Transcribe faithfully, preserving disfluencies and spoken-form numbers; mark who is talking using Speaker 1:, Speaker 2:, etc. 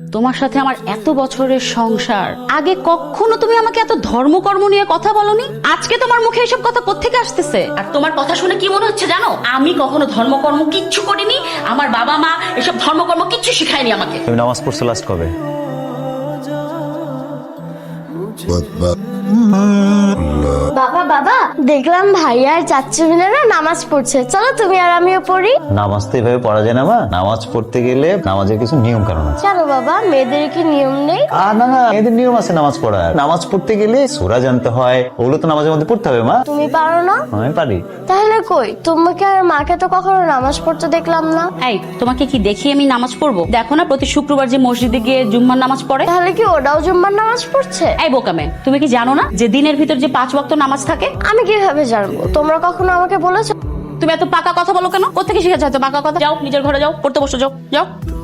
Speaker 1: তোমার সাথে আমার এত বছরের সংসার, আগে কখনো তুমি আমাকে এত ধর্মকর্ম নিয়ে কথা বলনি। আজকে তোমার মুখে এসব কথা কোত্থেকে আসতেছে? আর তোমার কথা শুনে কি মনে হচ্ছে জানো, আমি কখনো ধর্মকর্ম কিচ্ছু করিনি, আমার বাবা মা এসব ধর্মকর্ম কিচ্ছু শিখায়নি আমাকে।
Speaker 2: তুমি নামাজ পড়ছো লাস্ট কবে?
Speaker 3: বাবা বাবা দেখলাম ভাইয়া আর চাচ্চু মিলে না নামাজ পড়ছে, চলো তুমি আর আমিও পড়ি।
Speaker 2: নামাজ তো এভাবে পড়া যায় না মা, নামাজ পড়তে গেলে নামাজের কিছু নিয়ম কারণ আছে।
Speaker 3: কেন বাবা, মেয়েদের কি নিয়ম নেই?
Speaker 2: আর না না, এদের নিয়ম আছে নামাজ পড়ার। নামাজ পড়তে গেলে সূরা জানতে হয়, ওগুলো তো নামাজের মধ্যে পড়তে হবে মা।
Speaker 3: তুমি পারো না?
Speaker 2: আমি পারি।
Speaker 3: তাহলে কই, তোমাকে আর মাকে তো কখনো নামাজ পড়তে দেখলাম না।
Speaker 1: এই তোমাকে কি দেখি আমি নামাজ পড়বো? দেখো না প্রতি শুক্রবার যে মসজিদে গিয়ে জুম্মার নামাজ পড়ে।
Speaker 3: তাহলে কি ওটাও জুম্মার নামাজ পড়ছে?
Speaker 1: এই বোকামে, তুমি কি জানো না যে দিনের ভিতর যে পাঁচ ওয়াক্ত নামাজ থাকে?
Speaker 3: আমি কিভাবে জানবো? তোমরা কখনো আমাকে বলেছো?
Speaker 1: তুমি এত পাকা কথা বলো কেন? কোত্থেকে শিখেছো এত পাকা কথা? যাও নিজের ঘরে যাও, পড়তে বসো, যাও যাও।